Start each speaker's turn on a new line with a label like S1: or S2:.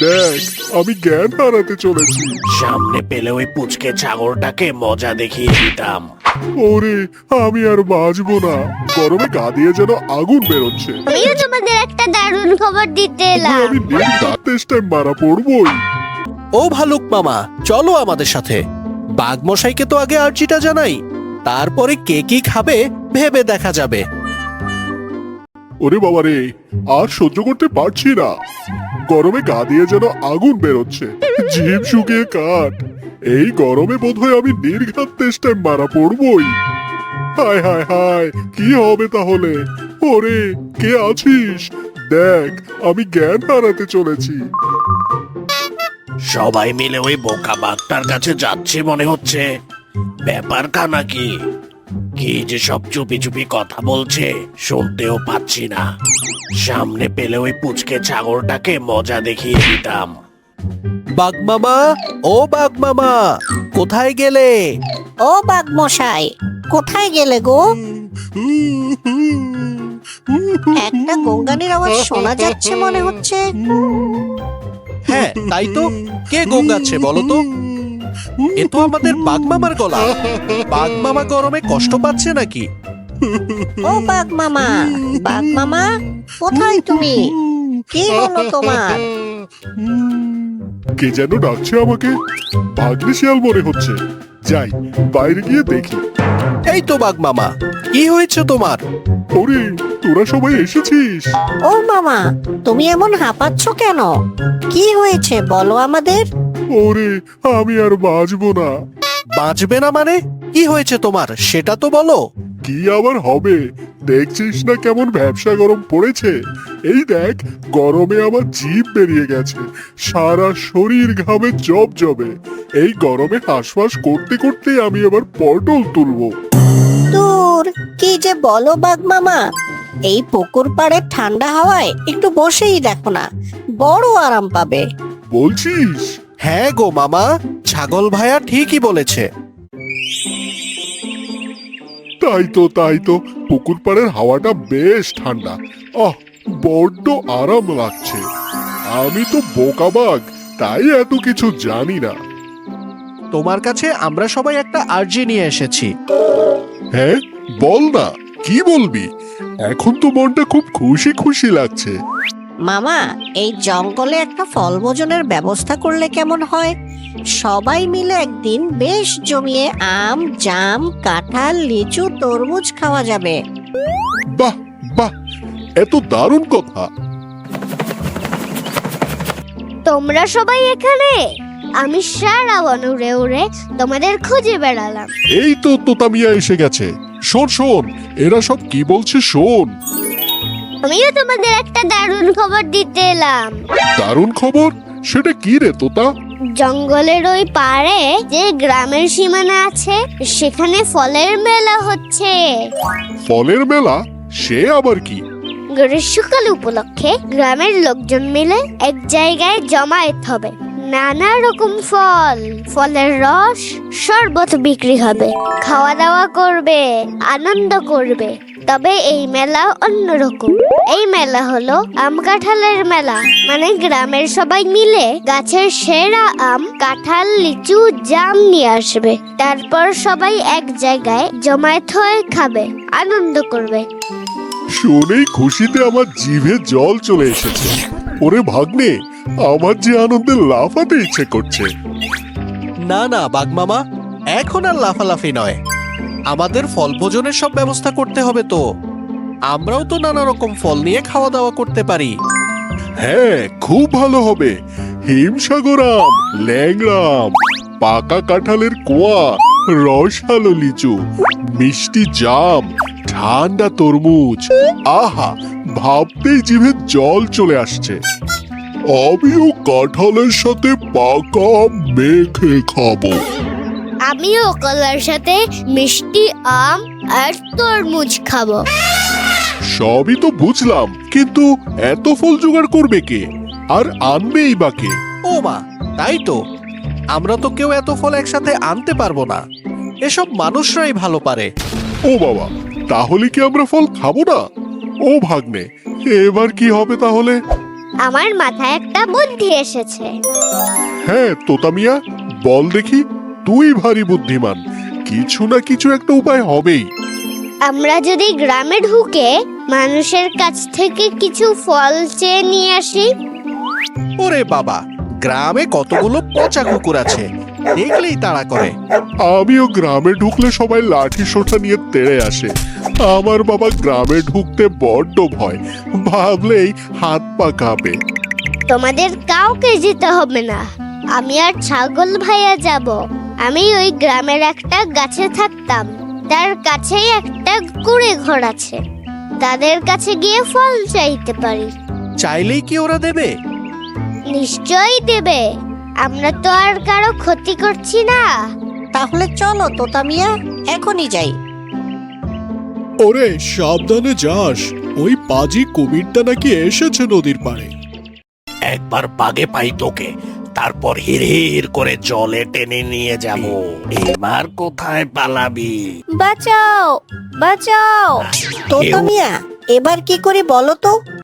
S1: দেখ আমি জ্ঞান হারাতে চলেছি।
S2: সামনে পেলে ওই পুচকে ছাগলটাকে মজা দেখিয়ে দিতাম।
S1: ওরে আমি আর বাঁচবো না, গরমে গা দিয়ে যেন আগুন বেরোচ্ছে।
S3: আমিও তোমাদের একটা দারুণ খবর দিতে এলাম।
S1: আমি টেস্ট টাইম মারা পড়বই।
S4: ও ভালুক মামা, চলো আমাদের সাথে। বাঘমশাইকে তো আগে আর্জিটা জানাই, তারপরে কে কি খাবে ভেবে দেখা যাবে।
S1: ওরে বাবা রে, আর সহ্য করতে পারছি না, গরমে গা দিয়ে যেন আগুন বেরোচ্ছে, জিভ শুকিয়ে কাঠ। এই গরমে বোধহয় আমি নির্ঘাত তেষ্টায় মারা পড়বই। হায় হায় হায়, কি হবে তাহলে? ওরে কে আছিস? দেখ আমি জ্ঞান হারাতে চলেছি।
S2: সবাই মিলে ওই বোকা বাঘটার কাছে যাচ্ছে মনে হচ্ছে। ব্যাপার খানা কি? কি যে সব চুপি চুপি কথা বলছে, শুনতেও পাচ্ছি না। সামনে পেলে ওই পুচকে ছাগলটাকে মজা দেখিয়ে দিতাম।
S4: বাঘ মামা, ও বাঘ মামা, কোথায় গেলে?
S5: ও বাঘমশাই, কোথায় গেলে গো? একটা গঙ্গানির আওয়াজ শোনা যাচ্ছে মনে হচ্ছে।
S4: হ্যাঁ তাই তো, কে গোঙ্গাচ্ছে বলো তো? এ তো আমাদের বাঘ মামার গলা। বাঘ মামা গরমে কষ্ট পাচ্ছে নাকি?
S5: ও বাঘ মামা, বাঘ মামা, কোথায় তুমি? কি হলো তোমার?
S1: কে যেন ডাকছে আমাকে, ভাগ্নে শিয়াল মনে হচ্ছে। যাই বাইরে গিয়ে দেখি।
S4: এই তো বাঘ মামা, কি হয়েছে তোমার?
S1: ওরে তোরা সবাই এসেছিস?
S5: ও মামা, তুমি এমন হাঁপাচ্ছ কেন? কি হয়েছে বলো আমাদের।
S1: ওরে আমি আর বাঁচবো না।
S4: বাঁচবে না মানে? কি হয়েছে তোমার সেটা তো বলো।
S1: কি আবার হবে, দেখছিস না কেমন ভ্যাপসা গরম পড়েছে। এই দেখ গরমে আমার জিভ বেরিয়ে গেছে, সারা শরীর ঘামে জবে। এই গরমে হাঁসফাঁস করতে করতে আমি আবার পটল তুলবো।
S5: দূর, কি যে বলো বাঘ মামা। এই পুকুর পাড়ের ঠান্ডা হাওয়ায় একটু বসেই দেখো না, বড় আরাম পাবে।
S1: বলছিস?
S4: হ্যাঁ গো মামা, ছাগল ভাইয়া ঠিকই বলেছে।
S1: তাই তো পুকুর পাড়ের হাওয়াটা বেশ ঠান্ডা। আহ বড্ড আরাম লাগছে। আমি তো বোকা বাঘ, তাই এত কিছু জানি না।
S4: তোমার কাছে আমরা সবাই একটা আর্জি নিয়ে এসেছি।
S1: হ্যাঁ বল না, কি বলবি? এখন তো মনটা খুব খুশি খুশি লাগছে।
S5: মামা, এই জঙ্গলে একটা ফল ভোজনের ব্যবস্থা করলে কেমন হয়? সবাই মিলে একদিন বেশ জমিয়ে আম, জাম, কাঁঠাল, লিচু, তরমুজ খাওয়া যাবে।
S1: বাহ বাহ, এত দারুণ কথা।
S3: তোমরা সবাই এখানে? আমি সারা বন উড়ে উড়ে তোমাদের খুঁজে বেড়ালাম।
S1: এই তো তোতা মিয়া এসে গেছে। শোন শোন, এরা সব কি বলছে শোন।
S3: আমিও তোমাদের একটা দারুণ খবর দিতে এলাম।
S1: দারুণ খবর? সেটা কি রে তোতা?
S3: জঙ্গলের ওই পাড়ে যে গ্রামের সীমানা আছে, সেখানে ফলের মেলা হচ্ছে।
S1: ফলের মেলা? সে আবার কি?
S3: গ্রীষ্মকাল উপলক্ষে গ্রামের লোকজন মিলে এক জায়গায় জমায়েত হবে। নানা রকম ফল, ফলের রস, শরবত বিক্রি হবে, খাওয়া দাওয়া করবে, আনন্দ করবে। তবে এই মেলা অন্যরকম। এই মেলা হলো আম কাঁঠালের মেলা। মানে গ্রামের সবাই মিলে গাছের সেরা আম, কাঁঠাল, লিচু, জাম নিয়ে আসবে। তারপর সবাই এক জায়গায় জমায়েত হয়ে খাবে, আনন্দ করবে।
S1: শুনেই খুশিতে আমার জিভে জল চলে এসেছে। ওরে ভাগ্নে, আমার যে আনন্দে লাফাতে ইচ্ছে করছে।
S4: না না বাঘ মামা, এখন আর লাফালাফি নয়। আমাদের ফল ভোজনের সব ব্যবস্থা করতে হবে তো। আমরাও তো নানা রকম ফল নিয়ে খাওয়া দাওয়া করতে পারি।
S1: হ্যাঁ খুব ভালো হবে। হিমসাগর আম, ল্যাংড়া আম, পাকা কাঁঠালের কোয়া, রসালো লিচু, মিষ্টি জাম, ঠান্ডা তরমুজ। আহা, ভাবতেই জিভে জল চলে আসছে। আমিও কাঁঠালের সাথে পাকা আম মেখে খাবো।
S3: আমিও কলার সাথে মিষ্টি আম আর তরমুজ খাবো।
S1: সবই তো বুঝলাম, কিন্তু এত ফল জোগাড় করবে কে, আর আনবেই বা কে?
S4: ও মা, তাই তো, আমরা তো কেউ এত ফল একসাথে আনতে পারবো না। এসব মানুষরাই ভালো পারে।
S1: ও বাবা, তাহলে কি আমরা ফল খাবো না? ও ভাগ্নে, এবার কি হবে তাহলে?
S3: আমার মাথায় একটা বুদ্ধি এসেছে।
S1: হ্যাঁ তোতা মিয়া, বল দেখি। তুই ভারী বুদ্ধিমান, কিছু না কিছু একটা উপায় হবেই।
S3: আমরা যদি গ্রামে ঢুকে মানুষের কাছ থেকে কিছু ফল চেয়ে নিয়ে আসি।
S4: ওরে বাবা, গ্রামে কতগুলো পচা কুকুর আছে, দেখলেই তাড়া করে।
S1: আমিও গ্রামে ঢুকলে সবাই লাঠি সোঁটা নিয়ে তেড়ে আসে। আমার বাবা গ্রামে ঢুকতে বড্ড ভয়, ভাবলেই হাত পা কাঁপে।
S3: তোমাদের কাউকে যেতে হবে না, আমি আর ছাগল ভাইয়া যাব। আমি ওই গ্রামের একটা গাছে থাকতাম, তার কাছেই একটা কুড়ে ঘর আছে। তাদের কাছে গিয়ে ফল চাইতে পারি।
S4: চাইলেই কি ওরা দেবে?
S3: নিশ্চয়ই দেবে, আমরা তো আর কারো ক্ষতি করছি না।
S5: তাহলে চলো তোতা মিয়া, এখনই যাই।
S6: ওরে সাবধানে যাস, ওই পাজি কুমিরটা নাকি এসেছে নদীর পাড়ে।
S2: একবার বাগে পাই তোকে, তারপর হির করে জলে টেনে নিয়ে যাব। এবার কোথায় পালাবি?
S7: বাঁচাও বাঁচাও।
S5: তোতা মিয়া, এবার কি করি বলো তো?